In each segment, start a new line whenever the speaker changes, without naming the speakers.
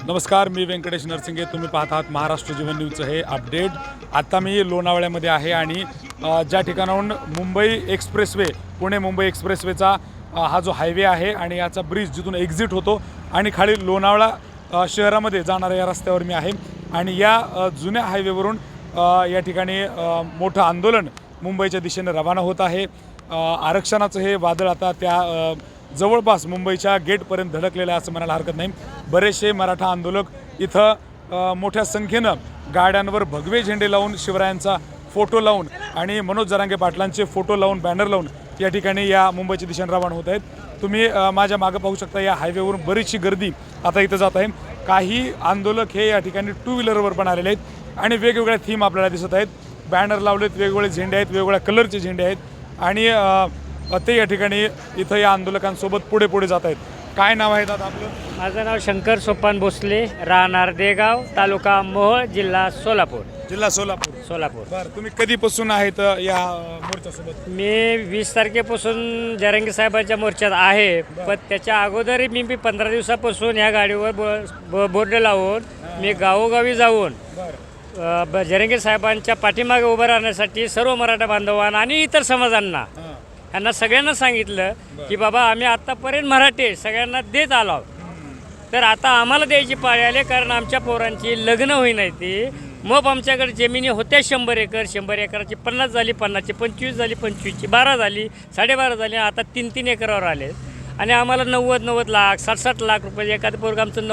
नमस्कार, मी व्यंकटेश नरसिंगे. तुम्ही पाहत आहात महाराष्ट्र जीवन न्यूजचं हे अपडेट. आता मी लोणावळ्यामध्ये आहे आणि ज्या ठिकाणाहून मुंबई एक्सप्रेसवे, पुणे मुंबई एक्सप्रेसवेचा हा जो हायवे आहे आणि याचा ब्रिज जिथून एक्झिट होतो आणि खाली लोणावळा शहरामध्ये जाणाऱ्या या रस्त्यावर मी आहे. आणि या जुन्या हायवेवरून या ठिकाणी मोठं आंदोलन मुंबईच्या दिशेने रवाना होत आहे. आरक्षणाचं हे वादळ आता त्या जवळपास मुंबईच्या गेटपर्यंत धडकलेलं आहे असं म्हणायला हरकत नाही. बरेचसे मराठा आंदोलक इथं मोठ्या संख्येनं गाड्यांवर भगवे झेंडे लावून, शिवरायांचा फोटो लावून आणि मनोज जरांगे पाटलांचे फोटो लावून, बॅनर लावून या ठिकाणी या मुंबईच्या दिशेने रवाना होत आहेत. तुम्ही माझ्या मागं पाहू शकता, या हायवेवरून बरीचशी गर्दी आता इथं जात आहे. काही आंदोलक हे या ठिकाणी टू व्हीलरवर पण आलेले आहेत आणि वेगवेगळ्या थीम आपल्याला दिसत आहेत. बॅनर लावलेत, वेगवेगळे झेंडे आहेत, वेगवेगळ्या कलरचे झेंडे आहेत आणि ते या ठिकाणी इथं या आंदोलकांसोबत पुढे पुढे जात आहेत. काय नाव आहे दादा आपलं?
माझं नाव शंकर सोपान भोसले, राहणार देगाव, तालुका मोहोळ, जिल्हा सोलापूर. सोलापूर.
बरं, तुम्ही कधीपासून आहेत या मोर्चासोबत?
मी 20 तारखेपासून जरांगे साहेबांच्या मोर्चात आहे. पण त्याच्या अगोदर मी 15 दिवसापासून ह्या गाडीवर बोर्ड लावून मी गावोगावी जाऊन जरांगे साहेबांच्या पाठीमागे उभं राहण्यासाठी सर्व मराठा बांधवांना आणि इतर समाजांना यांना सगळ्यांना सांगितलं की बाबा आम्ही आत्तापर्यंत मराठी सगळ्यांना देत आलो, तर आता आम्हाला द्यायची पाळी आली. कारण आमच्या पोरांची लग्न होई नाही ती. मग आमच्याकडे जमिनी होत्या 100 एकर, 100 एकराची 50 झाली, 50ची 25 झाली, 25ची 12 झाली, 12.5 झाली, आता 3-3 एकरावर आले. आणि आम्हाला 90 लाख 60 लाख रुपये एखादं पोरग आमचं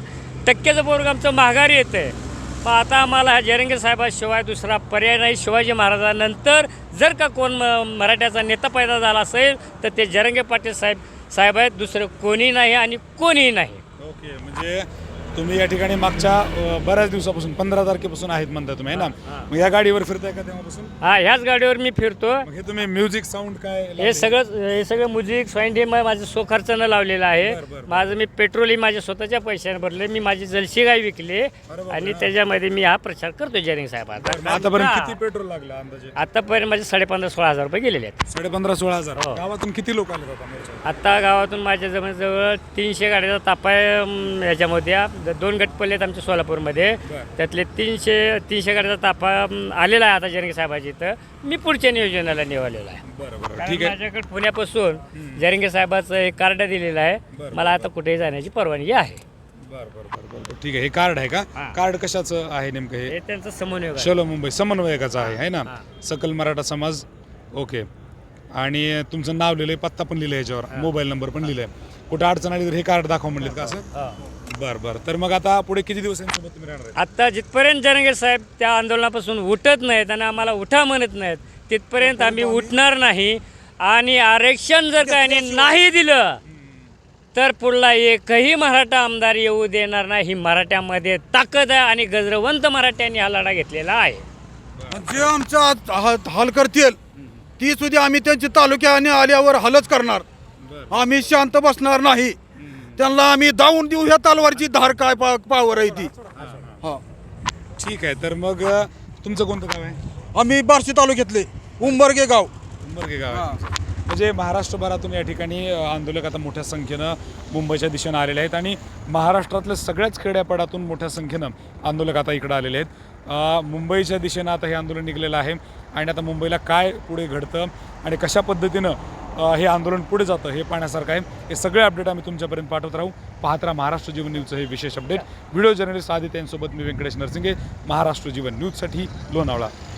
90% पोरग आमचं माघारी येतं आहे. मग आता आम्हाला जरांगे साहेबाशिवाय दुसरा पर्याय नाही. शिवाजी महाराजांनंतर जर का कोण मराठ्याचा नेता पैदा झाला असेल तर ते जरांगे पाटील साहेब आहेत, दुसरं कोणी नाही आणि कोणीही नाही.
ओके, म्हणजे तुम्ही या ठिकाणी मागच्या बऱ्याच दिवसापासून 15 तारखेपासून आहेत म्हणता तुम्ही, है ना? मग या गाडीवर फिरताय का तेव्हापासून?
ह्याच गाडीवर मी फिरतो.
हे तुम्ही म्युझिक साऊंड काय
हे सगळं म्युझिक साऊंड हे माझं स्वखर्चानं लावलेलं आहे. माझं मी पेट्रोलही माझ्या स्वतःच्या पैशाने भरले. मी माझी जलशी गाय विकली आणि त्याच्यामध्ये मी हा प्रचार करतो जरांगे साहेबांचा.
आतापर्यंत किती पेट्रोल लागलं अंदाजे?
आतापर्यंत माझे 15,000-16,000 रुपये गेलेले आहेत.
15,000-16,000. गावातून किती लोक आले होता?
आता गावातून माझ्या जवळ 300 गाड्याचा तापा आहे. याच्यामध्ये 2 गट पडले आहेत आमच्या सोलापूरमध्ये. त्यातले 300 गाड्याचा ताफा आलेला आहे आता जरांगे साहेबाची. इथं मी पुढच्या नियोजनाला निवडलेला आहे.
बरोबर, ठीक आहे.
माझ्याकडे पुण्यापासून जरांगे साहेबाचं एक कार्ड दिलेलं आहे. मला आता कुठेही जाण्याची परवानगी आहे.
बरं, ठीक आहे. हे कार्ड आहे का? कार्ड कशाचं आहे नेमकं? हे
त्यांचं समन्वय
चलो मुंबई समन्वयकाचं आहे ना? सकल मराठा समाज. ओके. आणि तुमचं नाव लिहिलंय, पत्ता पण लिहिलंय याच्यावर, मोबाईल नंबर पण लिहिलंय. कुठं अडचण आली तर हे कार्ड दाखवा म्हणलेत का असं? बरं. तर मग आता पुढे किती दिवसांसोबत तुम्ही राहणार?
आता जिथपर्यंत जरांगे साहेब त्या आंदोलनापासून उठत नाहीत आणि आम्हाला उठा म्हणत नाहीत तिथपर्यंत आम्ही उठणार नाही. आणि आरक्षण जर काही नाही दिलं तर पुढला एकही मराठा आमदार येऊ देणार नाही. ही मराठ्यामध्ये ताकद आहे आणि गजरवंत मराठ्यांनी हा लढा घेतलेला आहे.
जे आमचा हाल करतील ती सुद्धा आम्ही त्यांची तालुक्याने आल्यावर हलच करणार. आम्ही शांत बसणार नाही. त्यांना आम्ही दावून देऊ. ह्या तलवारची धार काय पावर आहे ती.
ठीक आहे. तर मग तुमचं कोणतं गाव आहे?
आम्ही बार्शी तालुक्यातले उंबरगे गाव.
म्हणजे महाराष्ट्रभरातून या ठिकाणी आंदोलक आता मोठ्या संख्येनं मुंबईच्या दिशेनं आलेले आहेत आणि महाराष्ट्रातल्या सगळ्याच खेड्यापाड्यातून मोठ्या संख्येनं आंदोलक आता इकडं आलेले आहेत. मुंबईच्या दिशेनं आता हे आंदोलन निघलेलं आहे आणि आता मुंबईला काय पुढे घडतं आणि कशा पद्धतीनं हे आंदोलन पुढे जातं हे पाहण्यासारखं आहे. हे सगळे अपडेट आम्ही तुमच्यापर्यंत पाठवत राहू. पाहत राहा महाराष्ट्र जीवन न्यूजचं हे विशेष अपडेट. व्हिडिओ जर्नलिस्ट आदित्य यांसोबत मी व्यंकटेश नरसिंगे, महाराष्ट्र जीवन न्यूजसाठी लोणावळा.